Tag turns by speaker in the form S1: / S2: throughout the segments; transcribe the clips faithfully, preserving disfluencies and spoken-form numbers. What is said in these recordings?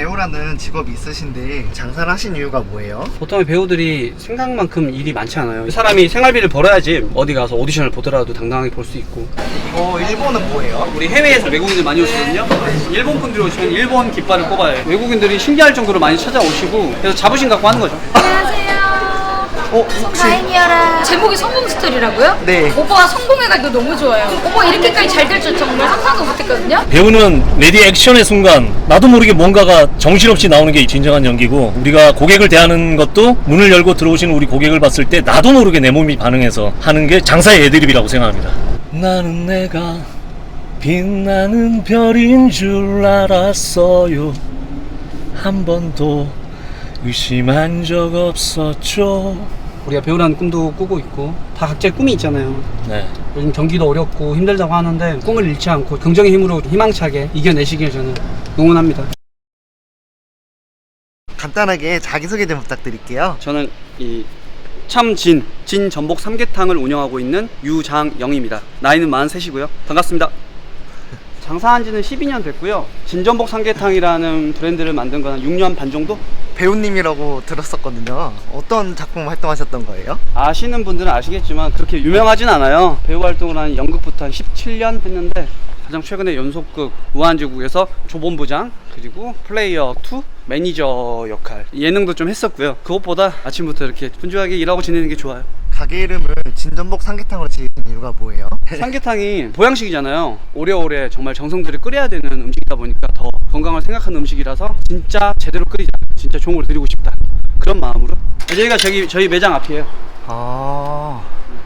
S1: 배우라는 직업이 있으신데 장사를 하신 이유가 뭐예요?
S2: 보통 배우들이 생각만큼 일이 많지 않아요. 사람이 생활비를 벌어야지 어디 가서 오디션을 보더라도 당당하게 볼 수 있고.
S1: 이거 일본은 뭐예요?
S2: 우리 해외에서 외국인들 많이 오시거든요. 일본 분들이 오시면 일본 깃발을 꼽아요. 외국인들이 신기할 정도로 많이 찾아오시고, 그래서 자부심 갖고 하는 거죠.
S3: 안녕하세요.
S1: 어, 혹시
S3: 다인이어라. 제목이 성공 스토리라고요?
S1: 네.
S3: 오빠가 성공해가지고 너무 좋아요. 오빠 이렇게까지 잘 될 줄 정말 상상도 못했거든요.
S4: 배우는 레디 액션의 순간 나도 모르게 뭔가가 정신없이 나오는 게 진정한 연기고, 우리가 고객을 대하는 것도 문을 열고 들어오시는 우리 고객을 봤을 때 나도 모르게 내 몸이 반응해서 하는 게 장사의 애드립이라고 생각합니다. 나는 내가 빛나는 별인 줄 알았어요. 한 번도 의심한 적 없었죠.
S2: 우리가 배우라는 꿈도 꾸고 있고, 다 각자의 꿈이 있잖아요.
S4: 네.
S2: 요즘 경기도 어렵고 힘들다고 하는데 꿈을 잃지 않고 긍정의 힘으로 희망차게 이겨내시길 저는 응원합니다.
S1: 간단하게 자기소개 좀 부탁드릴게요.
S2: 저는 이 참진, 진 전복 삼계탕을 운영하고 있는 유장영입니다. 나이는 마흔셋이고요. 반갑습니다. 장사한 지는 십이 년 됐고요. 진전복 삼계탕이라는 브랜드를 만든 건 한 육 년 반 정도?
S1: 배우님이라고 들었었거든요. 어떤 작품 활동하셨던 거예요?
S2: 아시는 분들은 아시겠지만 그렇게 유명하진 않아요. 배우 활동을 한 연극부터 한 십칠 년 했는데, 가장 최근에 연속극 무한지국에서 조본부장, 그리고 플레이어 투 매니저 역할, 예능도 좀 했었고요. 그것보다 아침부터 이렇게 분주하게 일하고 지내는 게 좋아요.
S1: 가게 이름을 진전복 삼계탕으로 지으신 이유가 뭐예요?
S2: 삼계탕이 보양식이잖아요. 오래오래 정말 정성 들여 끓여야 되는 음식이다 보니까 더 건강을 생각하는 음식이라서 진짜 제대로 끓이자, 진짜 좋은 걸 드리고 싶다, 그런 마음으로. 여기가 저기 저희 매장 앞이에요.
S1: 아...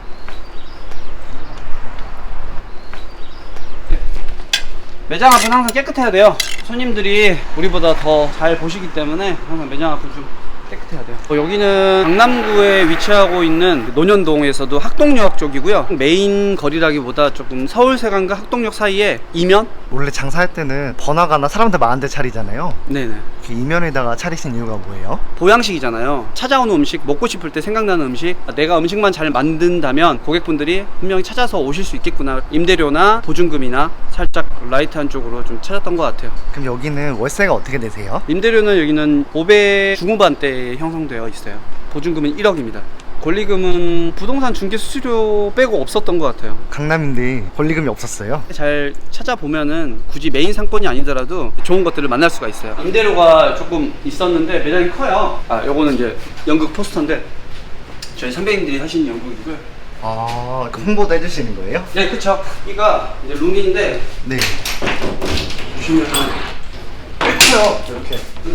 S2: 매장 앞은 항상 깨끗해야 돼요. 손님들이 우리보다 더 잘 보시기 때문에 항상 매장 앞은 좀 깨끗해야 돼요. 어, 여기는 강남구에 위치하고 있는 논현동에서도 학동역 쪽이고요. 메인 거리라기보다 조금 서울세관과 학동역 사이에 이면?
S1: 원래 장사할 때는 번화가나 사람들 많은 데 차리잖아요.
S2: 네네.
S1: 그 이면에다가 차리신 이유가 뭐예요?
S2: 보양식이잖아요. 찾아오는 음식, 먹고 싶을 때 생각나는 음식, 내가 음식만 잘 만든다면 고객분들이 분명히 찾아서 오실 수 있겠구나. 임대료나 보증금이나 살짝 라이트한 쪽으로 좀 찾았던 것 같아요.
S1: 그럼 여기는 월세가 어떻게 되세요?
S2: 임대료는 여기는 오백 중후반대에 형성되어 있어요. 보증금은 일억입니다. 권리금은 부동산 중개 수수료 빼고 없었던 것 같아요.
S1: 강남인데 권리금이 없었어요?
S2: 잘 찾아보면은 굳이 메인 상권이 아니더라도 좋은 것들을 만날 수가 있어요. 임대료가 조금 있었는데 매장이 커요. 아, 요거는 이제 연극 포스터인데 저희 선배님들이 하신 연극이고요.
S1: 아... 그 홍보도 해주시는 거예요?
S2: 네, 그쵸. 여기가 이제 룸인데
S1: 네.
S2: 보시면 꽤 커요. 이렇게.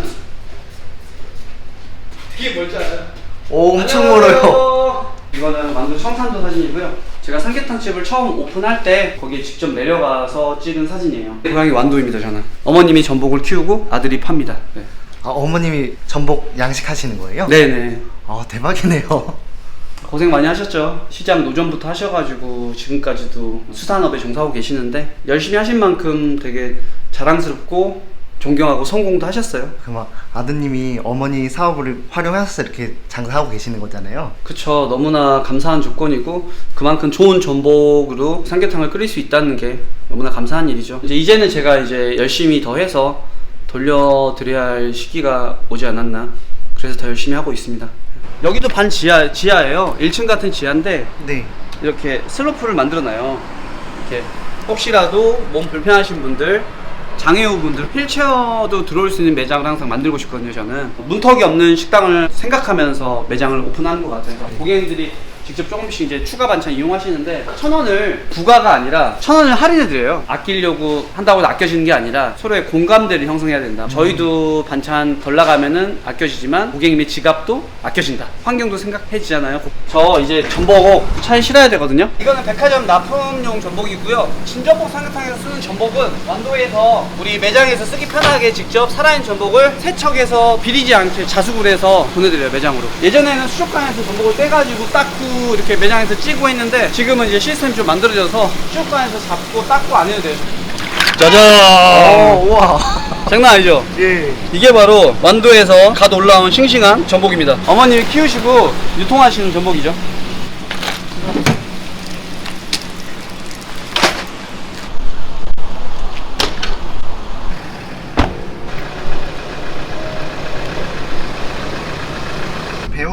S2: 되게 멀지 않아요?
S1: 오, 엄청 멀어요.
S2: 이거는 만두 청산도 사진이고요. 제가 삼계탕집을 처음 오픈할 때 거기에 직접 내려가서 찍은 사진이에요. 고향이 완도입니다. 저는 어머님이 전복을 키우고 아들이 팝니다. 네.
S1: 아, 어머님이 전복 양식하시는 거예요?
S2: 네네.
S1: 아, 대박이네요.
S2: 고생 많이 하셨죠. 시장 노점부터 하셔가지고 지금까지도 수산업에 종사하고 계시는데 열심히 하신 만큼 되게 자랑스럽고 존경하고 성공도 하셨어요.
S1: 그럼 아드님이 어머니 사업을 활용해서 이렇게 장사하고 계시는 거잖아요.
S2: 그쵸. 너무나 감사한 조건이고 그만큼 좋은 전복으로 삼계탕을 끓일 수 있다는 게 너무나 감사한 일이죠. 이제 이제는 제가 이제 열심히 더 해서 돌려드려야 할 시기가 오지 않았나, 그래서 더 열심히 하고 있습니다. 여기도 반 지하, 지하예요. 일 층 같은 지하인데
S1: 네.
S2: 이렇게 슬로프를 만들어놔요. 이렇게 혹시라도 몸 불편하신 분들, 장애우분들, 휠체어도 들어올 수 있는 매장을 항상 만들고 싶거든요. 저는 문턱이 없는 식당을 생각하면서 매장을 오픈하는 것 같아요. 고객님들이 직접 조금씩 이제 추가 반찬 이용하시는데 천 원을 부가가 아니라 천 원을 할인해 드려요. 아끼려고 한다고 해서 아껴지는 게 아니라 서로의 공감대를 형성해야 된다. 음. 저희도 반찬 덜 나가면은 아껴지지만 고객님의 지갑도 아껴진다. 환경도 생각해지잖아요. 저 이제 전복 차에 실어야 되거든요. 이거는 백화점 납품용 전복이고요. 진전복 삼계탕에서 쓰는 전복은 완도에서 우리 매장에서 쓰기 편하게 직접 살아있는 전복을 세척해서 비리지 않게 자수를 해서 보내드려요. 매장으로. 예전에는 수족관에서 전복을 떼가지고 닦고 이렇게 매장에서 찌고 했는데 지금은 이제 시스템이 좀 만들어져서 수족관에서 잡고 닦고 안 해도 돼요.
S4: 짜잔!
S1: 오, 우와.
S2: 장난 아니죠?
S1: 예.
S2: 이게 바로 완도에서 갓 올라온 싱싱한 전복입니다. 어머님이 키우시고 유통하시는 전복이죠.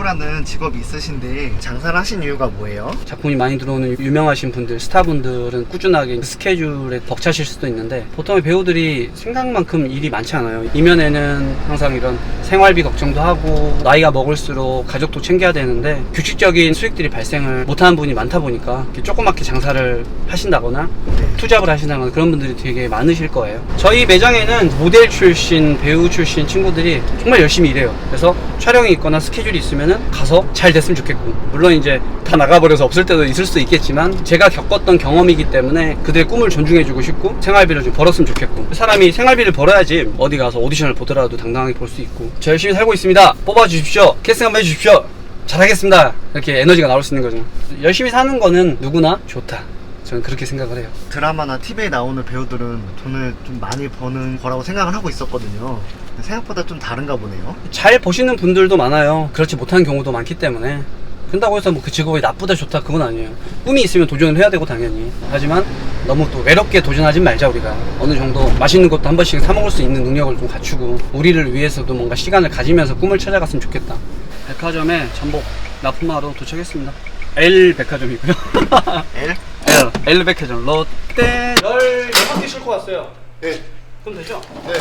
S1: 배우라는 직업이 있으신데 장사를 하신 이유가 뭐예요?
S2: 작품이 많이 들어오는 유명하신 분들, 스타분들은 꾸준하게 스케줄에 벅차실 수도 있는데 보통의 배우들이 생각만큼 일이 많지 않아요. 이면에는 항상 이런 생활비 걱정도 하고 나이가 먹을수록 가족도 챙겨야 되는데 규칙적인 수익들이 발생을 못하는 분이 많다 보니까 이렇게 조그맣게 장사를 하신다거나 투잡을 하신다거나 그런 분들이 되게 많으실 거예요. 저희 매장에는 모델 출신, 배우 출신 친구들이 정말 열심히 일해요. 그래서 촬영이 있거나 스케줄이 있으면은 가서 잘 됐으면 좋겠고, 물론 이제 다 나가버려서 없을 때도 있을 수도 있겠지만 제가 겪었던 경험이기 때문에 그들의 꿈을 존중해주고 싶고 생활비를 좀 벌었으면 좋겠고, 사람이 생활비를 벌어야지 어디 가서 오디션을 보더라도 당당하게 볼 수 있고, 저 열심히 살고 있습니다, 뽑아주십시오, 캐스팅 한번 해주십시오, 잘하겠습니다, 이렇게 에너지가 나올 수 있는 거죠. 열심히 사는 거는 누구나 좋다, 저는 그렇게 생각을 해요.
S1: 드라마나 티비에 나오는 배우들은 돈을 좀 많이 버는 거라고 생각을 하고 있었거든요. 근데 생각보다 좀 다른가 보네요.
S2: 잘 보시는 분들도 많아요. 그렇지 못한 경우도 많기 때문에. 그런다고 해서 뭐 그 직업이 나쁘다 좋다 그건 아니에요. 꿈이 있으면 도전을 해야 되고 당연히. 하지만 너무 또 외롭게 도전하진 말자. 우리가 어느 정도 맛있는 것도 한 번씩 사 먹을 수 있는 능력을 좀 갖추고 우리를 위해서도 뭔가 시간을 가지면서 꿈을 찾아갔으면 좋겠다. 백화점에 전복 납품하러 도착했습니다. L 백화점이고요.
S1: L?
S2: L L 백화점 롯데 열여섯 개 싣고 왔어요.
S1: 네.
S2: 그럼 되죠?
S1: 네.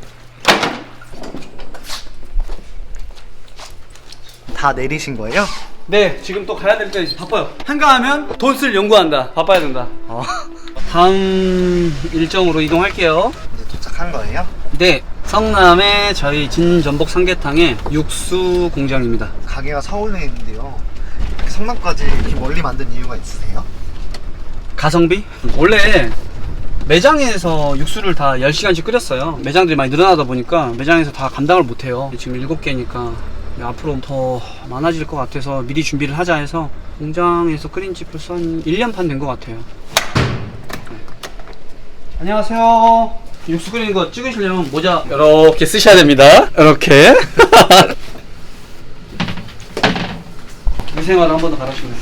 S1: 다 내리신 거예요?
S2: 네, 지금 또 가야 될 때 바빠요. 한가하면 돈 쓸 연구한다. 바빠야 된다.
S1: 어.
S2: 다음 일정으로 이동할게요.
S1: 이제 도착한 거예요?
S2: 네, 성남의 저희 진전복 삼계탕의 육수 공장입니다.
S1: 가게가 서울에 있는데요. 이렇게 성남까지 이렇게 멀리 만든 이유가 있으세요?
S2: 가성비? 원래 매장에서 육수를 다 열 시간씩 끓였어요. 매장들이 많이 늘어나다 보니까 매장에서 다 감당을 못해요. 지금 일곱 개니까 앞으로 더 많아질 것 같아서 미리 준비를 하자 해서 공장에서 끓인 지 벌써 한 일 년 반 된 것 같아요. 네. 안녕하세요. 육수 끓이는 거 찍으시려면 모자 이렇게 쓰셔야 됩니다. 이렇게. 위생화를 한 번 더 갈아주면.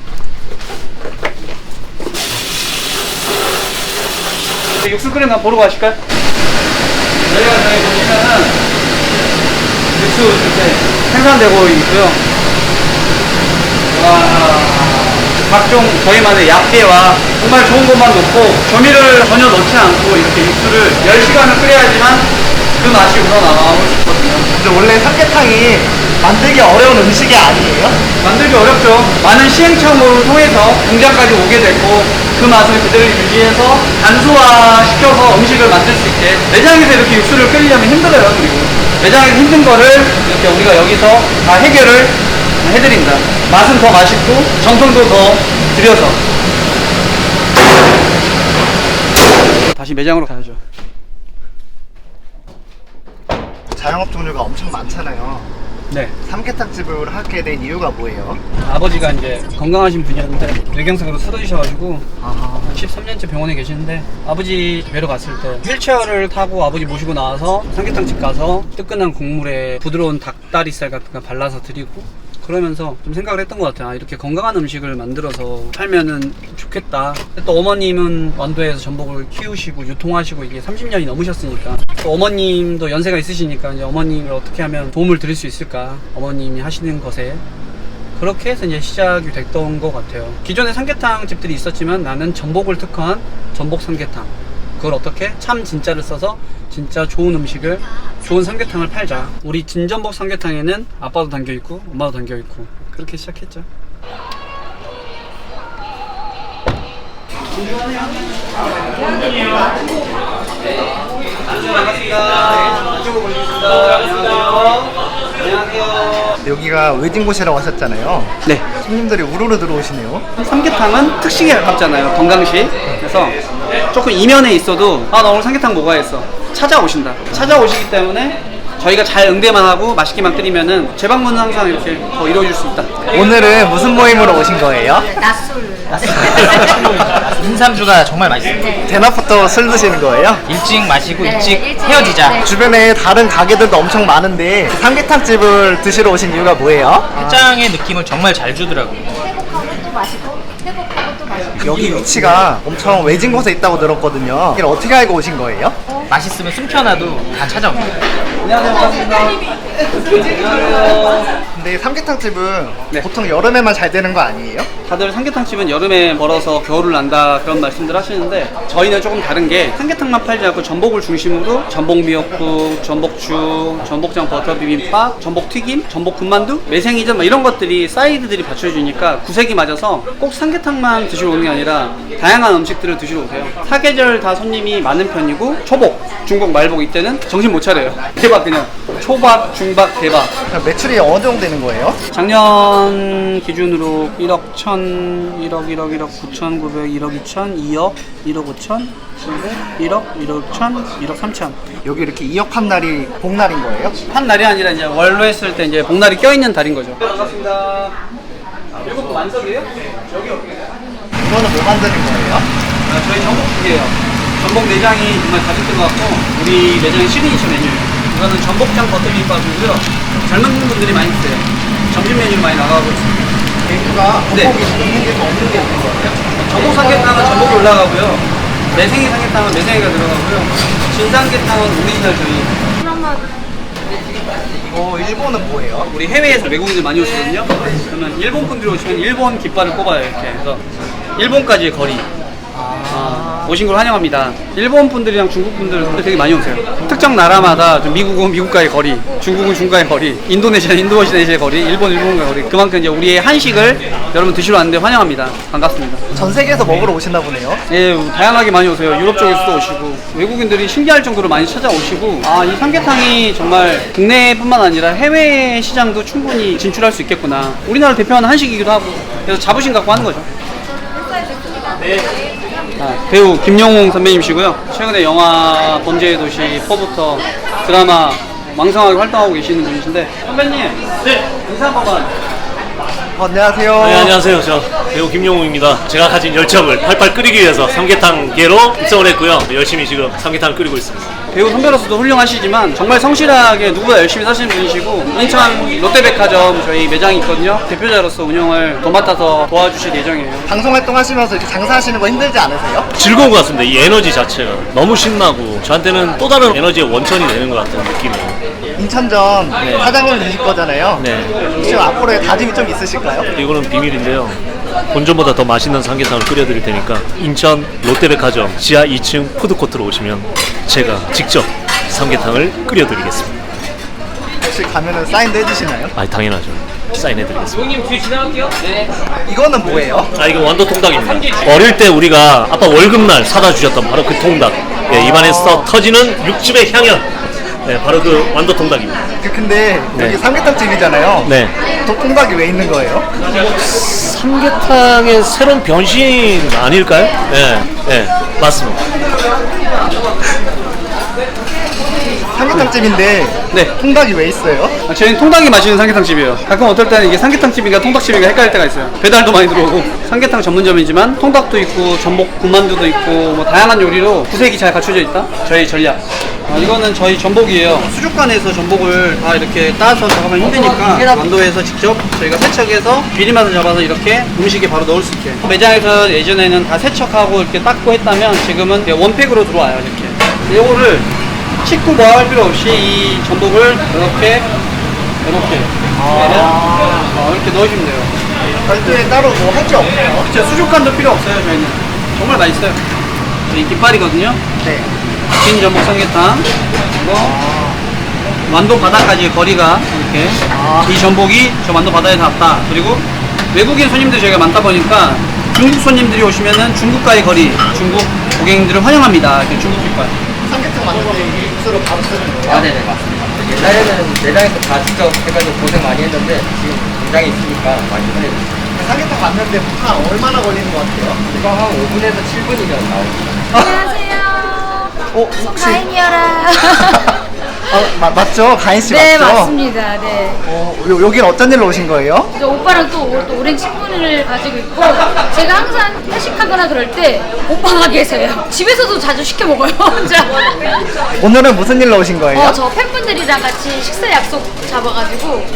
S2: 육수 끓이는 거 보러 가실까요? 여기가 저희 보시면은 육수 이렇게 생산되고 있고요. 와, 각종 저희만의 약재와 정말 좋은 것만 넣고 조미를 전혀 넣지 않고 이렇게 육수를 열 시간을 끓여야지만 그 맛이 우러나오고 싶거든요.
S1: 근데 원래 삼계탕이 만들기 어려운 음식이 아니에요?
S2: 만들기 어렵죠. 많은 시행착오를 통해서 공장까지 오게 됐고 그 맛을 그대로 유지해서 단소화시켜서 음식을 만들 수 있게. 매장에서 이렇게 육수를 끓이려면 힘들어요. 그리고 매장에서 힘든 거를 이렇게 우리가 여기서 다 해결을 해드린다. 맛은 더 맛있고 정성도 더 들여서. 다시 매장으로 가야죠.
S1: 자영업 종류가 엄청 많잖아요.
S2: 네.
S1: 삼계탕집을 하게 된 이유가 뭐예요?
S2: 아버지가 이제 건강하신 분이었는데 뇌경색으로 쓰러지셔가지고
S1: 아,
S2: 십삼 년째 병원에 계시는데, 아버지 뵈러 갔을 때 휠체어를 타고 아버지 모시고 나와서 삼계탕집 가서 뜨끈한 국물에 부드러운 닭다리살 같은 거 발라서 드리고 그러면서 좀 생각을 했던 것 같아요. 아, 이렇게 건강한 음식을 만들어서 팔면은 좋겠다. 또 어머님은 완도에서 전복을 키우시고 유통하시고 이게 삼십 년이 넘으셨으니까, 또 어머님도 연세가 있으시니까 이제 어머님을 어떻게 하면 도움을 드릴 수 있을까, 어머님이 하시는 것에. 그렇게 해서 이제 시작이 됐던 것 같아요. 기존에 삼계탕 집들이 있었지만 나는 전복을 특화한 전복 삼계탕, 그걸 어떻게 참 진짜를 써서 진짜 좋은 음식을, 좋은 삼계탕을 팔자. 우리 진전복 삼계탕에는 아빠도 담겨있고 엄마도 담겨있고 그렇게 시작했죠. 반갑습니다. 이쪽으로 보시겠습니다. 안녕하세요. 안녕하세요.
S1: 여기가 웨딩곳이라고 하셨잖아요.
S2: 네.
S1: 손님들이 우르르 들어오시네요.
S2: 삼계탕은 특식에 가깝잖아요. 건강식. 그래서 조금 이면에 있어도 아, 나 오늘 삼계탕 먹어야겠어, 찾아오신다. 찾아오시기 때문에 저희가 잘 응대만 하고 맛있게만 끓이면은 재방문은 항상 이렇게 더 이루어질 수 있다.
S1: 오늘은 무슨 모임으로 오신 거예요?
S3: 낮술.
S5: 인삼주가 정말 맛있어요.
S1: 대낮부터 술 드시는 거예요?
S5: 일찍 마시고
S3: 네,
S5: 일찍
S3: 일찍,
S5: 헤어지자.
S3: 네.
S1: 주변에 다른 가게들도 엄청 많은데 삼계탕집을 드시러 오신 이유가 뭐예요?
S5: 해장의 느낌을 정말 잘 주더라고요.
S3: 회복하고 또 마시고 회복하고 또 마시고.
S1: 여기 위치가 엄청 외진 곳에 있다고 들었거든요. 이걸 어떻게 알고 오신 거예요?
S5: 맛있으면 숨겨놔도 다 찾아옵니다.
S2: 안녕하세요. 반갑습니다. 안녕하세요.
S1: 근데 삼계탕집은
S2: 네.
S1: 보통 여름에만 잘 되는 거 아니에요?
S2: 다들 삼계탕집은 여름에 벌어서 겨울을 난다 그런 말씀들 하시는데 저희는 조금 다른 게 삼계탕만 팔지 않고 전복을 중심으로 전복 미역국, 전복죽, 전복장 버터 비빔밥, 전복 튀김, 전복 군만두, 매생이전 뭐 이런 것들이 사이드들이 받쳐주니까 구색이 맞아서 꼭 삼계탕만 드시러 오는 게 아니라 다양한 음식들을 드시러 오세요. 사계절 다 손님이 많은 편이고 초복, 중복, 말복 이때는 정신 못 차려요. 대박 그냥 초박, 중박, 대박.
S1: 그럼 매출이 어느 정도 되는 거예요?
S2: 작년 기준으로 일억 천, 일억, 일억, 일억 구천구백, 일억 이천, 이억, 일억 오천, 일억, 일억 천, 일억 삼천.
S1: 여기 이렇게 이억 한 날이 복날인 거예요?
S2: 한 날이 아니라 이제 월로 했을 때 이제 복날이 껴있는 달인 거죠. 반갑습니다. 이거 뭐 완성이에요? 여기 어떻게 돼요?
S1: 이거는 뭐 만드는 거예요?
S2: 아, 저희 전복죽이에요. 전복 내장이 정말 가득 들어갔고 우리 매장의 시그니처 메뉴예요. 이거는 전복장 버터비빔밥이고요. 젊은 분들이 많이 드세요. 점심 메뉴로 많이 나가고 있습니다.
S1: 메뉴가
S2: 네.
S1: 전복이 있는 게 더 없는 게 있는 거예요?
S2: 전복 삼계탕은 전복이 올라가고요. 매생이 삼계탕은 매생이가 들어가고요. 진삼계탕은 오리지널 저희.
S1: 어, 일본은 뭐예요?
S2: 우리 해외에서 외국인들 많이 오시거든요. 그러면 일본 분들이 오시면 일본 깃발을 꼽아요. 이렇게 그래서 일본까지의 거리. 아, 오신 걸 환영합니다. 일본 분들이랑 중국 분들 되게 많이 오세요. 특정 나라마다 좀 미국은 미국과의 거리, 중국은 중국과의 거리, 인도네시아는 인도네시아의 거리, 일본 일본과의 거리. 그만큼 이제 우리의 한식을 여러분 드시러 왔는데 환영합니다. 반갑습니다.
S1: 전 세계에서 먹으러 오시나 보네요.
S2: 예, 다양하게 많이 오세요. 유럽 쪽에서도 오시고 외국인들이 신기할 정도로 많이 찾아오시고 아, 이 삼계탕이 정말 국내뿐만 아니라 해외 시장도 충분히 진출할 수 있겠구나. 우리나라를 대표하는 한식이기도 하고 그래서 자부심 갖고 하는 거죠. 아, 배우 김영웅 선배님이시고요. 최근에 영화 범죄의 도시 포부터 드라마 왕성하게 활동하고 계시는 분이신데 선배님, 네 인사 한 번만.
S1: 어, 안녕하세요.
S4: 네, 안녕하세요. 저 배우 김용우입니다. 제가 가진 열정을 팔팔 끓이기 위해서 삼계탕계로 입성을 했고요. 열심히 지금 삼계탕을 끓이고 있습니다.
S2: 배우 선배로서도 훌륭하시지만 정말 성실하게 누구보다 열심히 사시는 분이시고 인천 롯데백화점 저희 매장이 있거든요. 대표자로서 운영을 도맡아서 도와주실 예정이에요.
S1: 방송 활동하시면서 이렇게 장사하시는 거 힘들지 않으세요?
S4: 즐거운 것 같습니다. 이 에너지 자체가 너무 신나고 저한테는 또 다른 에너지의 원천이 되는 것 같은 느낌이에요.
S1: 인천점 사장님 되실 거잖아요.
S4: 네.
S1: 혹시 앞으로의 다짐이 좀 있으실까요?
S4: 이거는 비밀인데요. 본전보다 더 맛있는 삼계탕을 끓여드릴 테니까 인천 롯데백화점 지하 이 층 푸드코트로 오시면 제가 직접 삼계탕을 끓여드리겠습니다.
S1: 혹시 가면은 사인도 해주시나요?
S4: 아, 당연하죠. 사인해드리겠습니다.
S1: 이거는 뭐예요?
S4: 아, 이거 완도 통닭입니다. 어릴 때 우리가 아빠 월급날 사다 주셨던 바로 그 통닭. 예, 입안에서 터지는 육즙의 향연. 네, 바로 그 완도 통닭입니다.
S1: 그 근데
S4: 네.
S1: 여기 삼계탕집이잖아요.
S4: 네.
S1: 또 통닭이 왜 있는 거예요?
S4: 삼계탕의 새로운 변신 아닐까요? 네, 네, 맞습니다.
S1: 삼계탕집인데
S2: 네.
S1: 통닭이 왜 있어요?
S2: 아, 저희는 통닭이 맛있는 삼계탕집이에요. 가끔 어떨 때는 이게 삼계탕집인가 통닭집인가 헷갈릴 때가 있어요. 배달도 많이 들어오고 삼계탕 전문점이지만 통닭도 있고 전복 군만두도 있고 뭐 다양한 요리로 구색이 잘 갖춰져 있다. 저희 전략. 아, 이거는 저희 전복이에요. 수족관에서 전복을 다 이렇게 따서 작업하면 힘드니까 완도에서 직접 저희가 세척해서 비린맛을 잡아서 이렇게 음식에 바로 넣을 수 있게. 매장에서 예전에는 다 세척하고 이렇게 닦고 했다면 지금은 원팩으로 들어와요. 이렇게. 이거를 식구 뭐 할 필요 없이 이 전복을 이렇게 이렇게 어, 이렇게 넣으시면 돼요.
S1: 별도에 따로 뭐 할 게 없네요.
S2: 진짜 수족관도 필요 없어요. 저희는 정말 맛있어요. 이 깃발이거든요.
S1: 네.
S2: 긴 전복 삼계탕 그리고 완도 바다까지의 거리가 이렇게 이 전복이 저 완도 바다에 닿았다. 그리고 외국인 손님들이 저희가 많다 보니까 중국 손님들이 오시면은 중국과의 거리, 중국 고객님들을 환영합니다. 이렇게 중국 깃발.
S1: 삼계탕 만들 때 이 육수로 바로 쓰는 거예요?
S6: 아, 네네, 맞습니다. 옛날에는 매장에서 다 직접 해가지고 고생 많이 했는데, 지금 공장에 있으니까 많이 편해요.
S1: 삼계탕 만드는데 한 얼마나 걸리는 것 같아요?
S6: 이거 한 오 분에서 칠 분이면 나옵니다.
S3: 안녕하세요.
S1: 어, 혹시
S3: 가인이어라.
S1: 아, 마, 맞죠? 가인 씨
S3: 네,
S1: 맞죠?
S3: 맞습니다. 네.
S1: 어, 요, 여긴 어떤 일로 오신 거예요?
S3: 저 오빠랑 또, 오- 또 오랜 친분을 가지고 있고 제가 항상 회식하거나 그럴 때 오빠 가게에서요. 집에서도 자주 시켜 먹어요. 혼자.
S1: 오늘은 무슨 일로 오신 거예요?
S3: 어, 저 팬분들이랑 같이 식사 약속 잡아가지고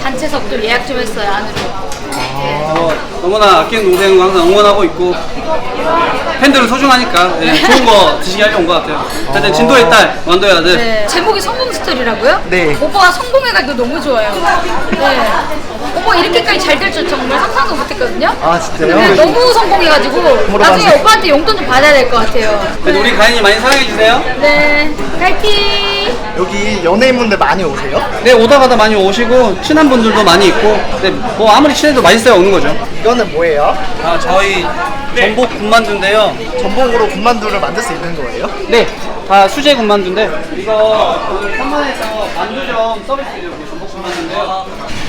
S3: 단체석도 예약 좀 했어요, 안으로. 네.
S2: 어, 너무나 아끼는 동생을 항상 응원하고 있고 팬들은 소중하니까 네, 좋은 거 드시게 하려고 온 것 같아요. 하여튼 진도의 딸, 완도의 아들.
S3: 네. 제목이 성공 스토리라고요?
S1: 네.
S3: 오빠가 성공해가지고 너무 좋아요. 네. 오빠 이렇게까지 잘 될 줄 정말 상상도 못했거든요.
S1: 아, 진짜요?
S3: 근데 너무 성공해가지고 나중에
S1: 물어봤어요.
S3: 오빠한테 용돈 좀 받아야 될 것 같아요.
S2: 그래도 우리 가인이 많이 사랑해주세요.
S3: 네. 파이팅!
S1: 여기 연예인분들 많이 오세요?
S2: 네, 오다 가다 많이 오시고 친한 분들도 많이 있고 근데 뭐 아무리 친해도 맛있어야 오는 거죠.
S1: 이거는 뭐예요?
S2: 아, 저희 전복 군만두인데요.
S1: 전복으로 군만두를 만들 수 있는 거예요?
S2: 네, 다 수제 군만두인데 이거 오늘 천만에서 만두점 서비스 드리고 전복 군만두인데요.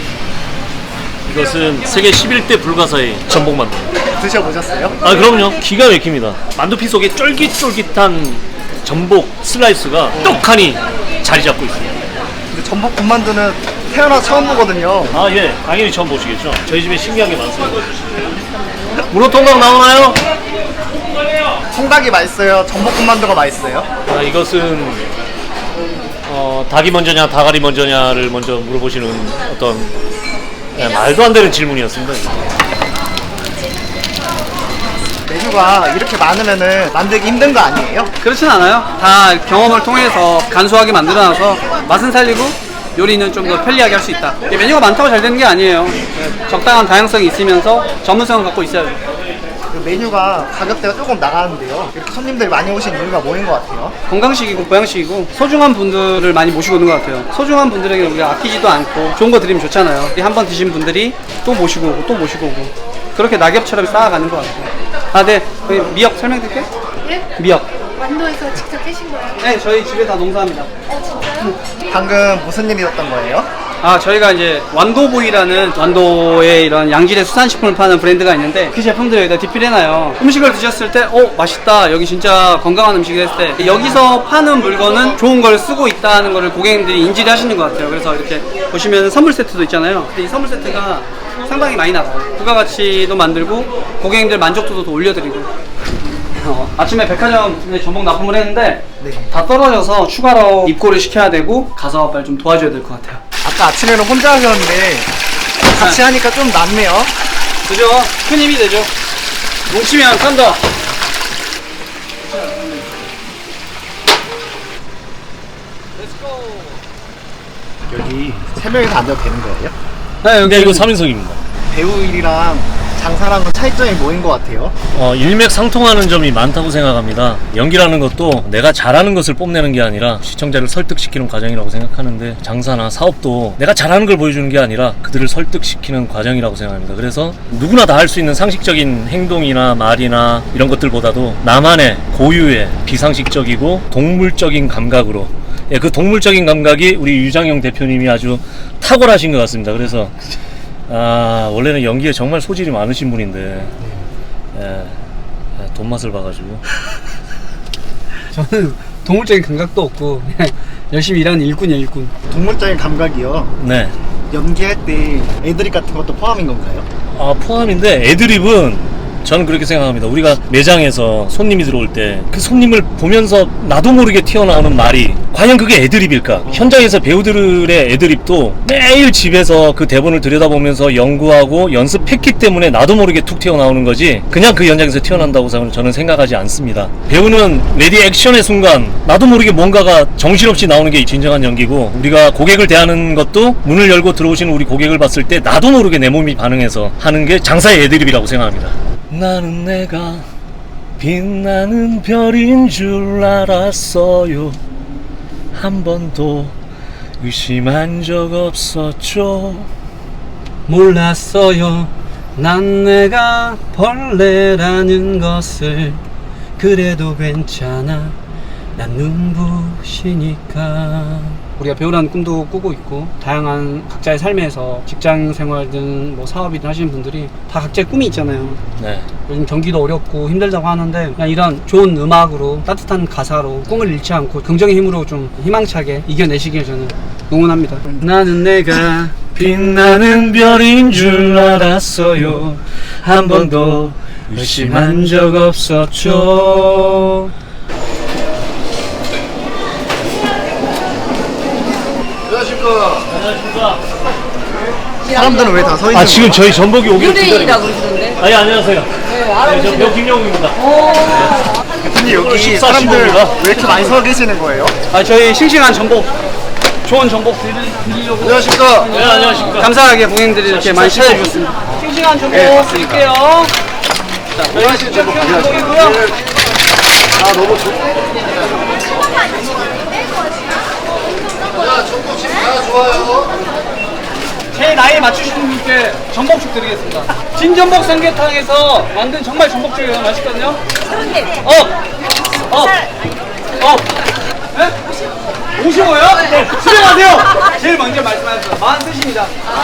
S4: 이것은 세계 십일 대 불가사의 전복만두.
S1: 드셔보셨어요?
S4: 아 그럼요. 기가 막힙니다. 만두피 속에 쫄깃쫄깃한 전복 슬라이스가 떡하니 자리 잡고 있습니다.
S1: 근데 전복 군만두는 태어나 처음 보거든요.
S4: 아 예, 당연히 처음 보시겠죠. 저희 집에 신기한 게 많습니다. 문어통각 나오나요?
S1: 통닭이 맛있어요? 전복 군만두가 맛있어요?
S4: 아, 이것은 어, 닭이 먼저냐 다가리 먼저냐를 먼저 물어보시는 어떤 예, 말도 안 되는 질문이었습니다.
S1: 메뉴가 이렇게 많으면은 만들기 힘든 거 아니에요?
S2: 그렇진 않아요. 다 경험을 통해서 간소하게 만들어놔서 맛은 살리고 요리는 좀 더 편리하게 할 수 있다. 이게 메뉴가 많다고 잘 되는 게 아니에요. 적당한 다양성이 있으면서 전문성을 갖고 있어야죠.
S1: 그 메뉴가 가격대가 조금 나가는데요. 이렇게 손님들이 많이 오신 이유가 뭐인 것 같아요?
S2: 건강식이고 보양식이고 소중한 분들을 많이 모시고 오는 것 같아요. 소중한 분들에게 우리가 아끼지도 않고 좋은 거 드리면 좋잖아요. 한 번 드신 분들이 또 모시고 오고 또 모시고 오고 그렇게 낙엽처럼 쌓아가는 것 같아요. 아, 네. 저희 미역 설명드릴게요.
S3: 네?
S2: 미역.
S3: 완도에서 직접 깨신 거예요?
S2: 네, 저희 집에 다 농사합니다.
S1: 방금 무슨 일이었던 거예요?
S2: 아, 저희가 이제 완도보이라는 완도의 이런 양질의 수산식품을 파는 브랜드가 있는데 그 제품들을 여기다 디필해놔요. 음식을 드셨을 때, 어, 맛있다. 여기 진짜 건강한 음식이 했을 때 여기서 파는 물건은 좋은 걸 쓰고 있다는 거를 고객님들이 인지를 하시는 것 같아요. 그래서 이렇게 보시면 선물 세트도 있잖아요. 근데 이 선물 세트가 상당히 많이 나가요. 부가가치도 만들고 고객님들 만족도도 더 올려드리고 어, 아침에 백화점에 전복 납품을 했는데
S1: 네.
S2: 다 떨어져서 추가로 입고를 시켜야 되고 가서 빨리 좀 도와줘야 될 것 같아요.
S1: 아까 아침에는 혼자 하셨는데 같이 하니까 좀 낫네요.
S2: 그죠? 큰 힘이 되죠. 뭉치면 산다.
S1: 여기 세 명이서 앉아도 되는 거예요?
S2: 네,
S4: 근데 이거 삼 인석입니다.
S1: 배우 일이랑 장사랑은 차이점이 뭐인 것 같아요?
S4: 어, 일맥상통하는 점이 많다고 생각합니다. 연기라는 것도 내가 잘하는 것을 뽐내는 게 아니라 시청자를 설득시키는 과정이라고 생각하는데 장사나 사업도 내가 잘하는 걸 보여주는 게 아니라 그들을 설득시키는 과정이라고 생각합니다. 그래서 누구나 다 할 수 있는 상식적인 행동이나 말이나 이런 것들보다도 나만의 고유의 비상식적이고 동물적인 감각으로 예, 그 동물적인 감각이 우리 유장영 대표님이 아주 탁월하신 것 같습니다. 그래서 아, 원래는 연기에 정말 소질이 많으신 분인데 예, 돈 맛을 봐가지고
S2: 저는 동물적인 감각도 없고 그냥 열심히 일하는 일꾼이에요, 일꾼.
S1: 동물적인 감각이요.
S4: 네,
S1: 연기할 때 애드립 같은 것도 포함인 건가요?
S4: 아, 포함인데 애드립은 저는 그렇게 생각합니다. 우리가 매장에서 손님이 들어올 때 그 손님을 보면서 나도 모르게 튀어나오는 말이 과연 그게 애드립일까? 현장에서 배우들의 애드립도 매일 집에서 그 대본을 들여다보면서 연구하고 연습했기 때문에 나도 모르게 툭 튀어나오는 거지 그냥 그 현장에서 튀어나온다고 저는 생각하지 않습니다. 배우는 레디 액션의 순간 나도 모르게 뭔가가 정신없이 나오는 게 진정한 연기고 우리가 고객을 대하는 것도 문을 열고 들어오시는 우리 고객을 봤을 때 나도 모르게 내 몸이 반응해서 하는 게 장사의 애드립이라고 생각합니다. 나는 내가 빛나는 별인 줄 알았어요. 한 번도 의심한 적 없었죠.
S2: 몰랐어요. 난 내가 벌레라는 것을. 그래도 괜찮아. 난 눈부시니까. 우리가 배우라는 꿈도 꾸고 있고 다양한 각자의 삶에서 직장 생활든 뭐 사업이든 하시는 분들이 다 각자의 꿈이 있잖아요.
S4: 네.
S2: 요즘 경기도 어렵고 힘들다고 하는데 그냥 이런 좋은 음악으로 따뜻한 가사로 꿈을 잃지 않고 긍정의 힘으로 좀 희망차게 이겨내시길 저는 응원합니다. 나는 내가
S4: 빛나는 별인 줄 알았어요. 한 번도 의심한 적 없었죠.
S1: 안녕하십니까. 사람들은 왜 다 서 있는
S4: 아 지금 저희 전복이 오기로 기다리고
S3: 유대인이라고 그러시던데.
S4: 아니 안녕하세요. 네, 저 배우 김영웅입니다.
S1: 근데 여기
S4: 식사
S1: 사람들
S4: 시간입니다.
S1: 왜 이렇게 많이 서 계시는 거예요?
S2: 아, 저희 싱싱한 전복, 좋은 전복 드리- 드리려고.
S1: 안녕하십니까.
S4: 네 안녕하십니까.
S2: 감사하게 고객님들이 이렇게 많이 찾아주셨습니다. 싱싱한 전복 드릴게요. 자, 저희 싱싱한 전복이고요.
S1: 아 너무 좋.
S2: 제 나이 맞추시는 분께 전복죽 드리겠습니다. 진전복 삼계탕에서 만든 정말 전복죽이에요. 맛있거든요. 어! 어! 어! 네? 오십오요? 네. 수령하세요! 제일 먼저 말씀하셨어요. 만 뜻입니다.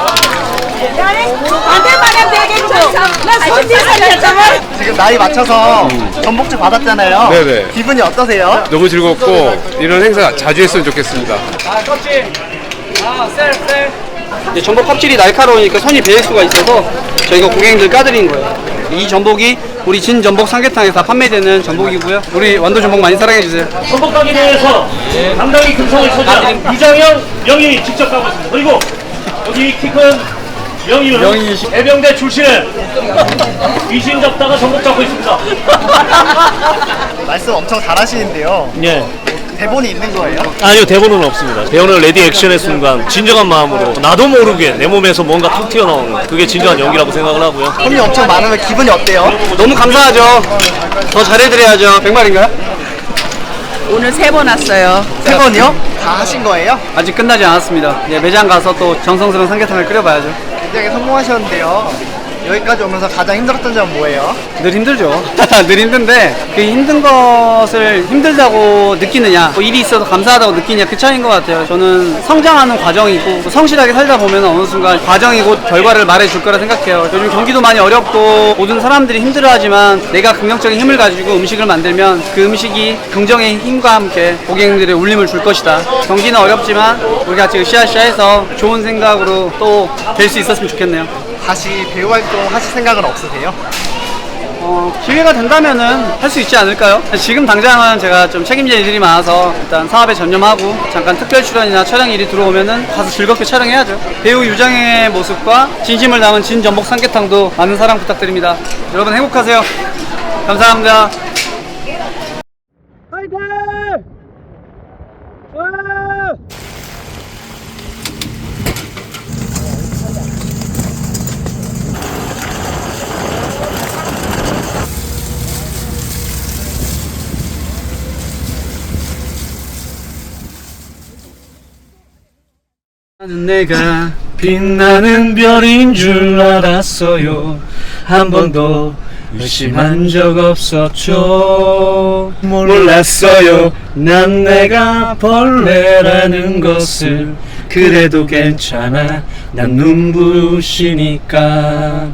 S7: 안돼만하면 되겠죠. 나 손질 살렸잖아.
S1: 지금 나이 맞춰서 전복주 받았잖아요.
S8: 네네.
S1: 기분이 어떠세요?
S8: 너무 즐겁고 이런 행사 자주 했으면 좋겠습니다.
S2: 아, 껍질. 아, 셀, 셀. 이제 전복 껍질이 날카로우니까 손이 베일 수가 있어서 저희가 고객님들 까드린 거예요. 이 전복이 우리 진 전복 삼계탕에서 판매되는 전복이고요. 우리 완도 전복 많이 사랑해주세요.
S4: 전복 가게 대회에서 당당히 금성을 차지한 유장영 명인이 직접 가고 있습니다. 그리고 여기 키 큰 명인은 해병대 출신의 귀신 잡다가 전복 잡고 있습니다.
S1: 말씀 엄청 잘하시는데요.
S4: 예.
S1: 대본이 있는 거예요?
S4: 아니요 대본은 없습니다. 배우는 레디 액션의 순간 진정한 마음으로 나도 모르게 내 몸에서 뭔가 툭 튀어나오는 그게 진정한 연기라고 생각을 하고요.
S1: 손이 엄청 많으면 기분이 어때요?
S2: 너무 감사하죠. 더 잘해드려야죠. 백말인가요?
S7: 오늘 세 번 왔어요.
S1: 세 번이요? 다 하신 거예요?
S2: 아직 끝나지 않았습니다. 이제 매장 가서 또 정성스러운 삼계탕을 끓여봐야죠.
S1: 굉장히 성공하셨는데요. 여기까지 오면서 가장 힘들었던 점은 뭐예요?
S2: 늘 힘들죠. 늘 힘든데 그 힘든 것을 힘들다고 느끼느냐, 뭐 일이 있어서 감사하다고 느끼냐 그 차이인 것 같아요. 저는 성장하는 과정이고 성실하게 살다 보면 어느 순간 과정이 곧 결과를 말해줄 거라 생각해요. 요즘 경기도 많이 어렵고 모든 사람들이 힘들어하지만 내가 긍정적인 힘을 가지고 음식을 만들면 그 음식이 긍정의 힘과 함께 고객님들의 울림을 줄 것이다. 경기는 어렵지만 우리 같이 으쌰으쌰해서 좋은 생각으로 또 될 수 있었으면 좋겠네요.
S1: 다시 배우 활동 하실 생각은 없으세요?
S2: 어, 기회가 된다면은 할 수 있지 않을까요? 지금 당장은 제가 좀 책임질 일이 많아서 일단 사업에 전념하고 잠깐 특별 출연이나 촬영 일이 들어오면은 가서 즐겁게 촬영해야죠. 배우 유장의 모습과 진심을 담은 진전복 삼계탕도 많은 사랑 부탁드립니다. 여러분 행복하세요. 감사합니다. 화이팅! 나는 내가
S4: 빛나는 별인 줄 알았어요. 한 번도 의심한 적 없었죠. 몰랐어요. 난 내가 벌레라는 것을. 그래도 괜찮아. 난 눈부시니까.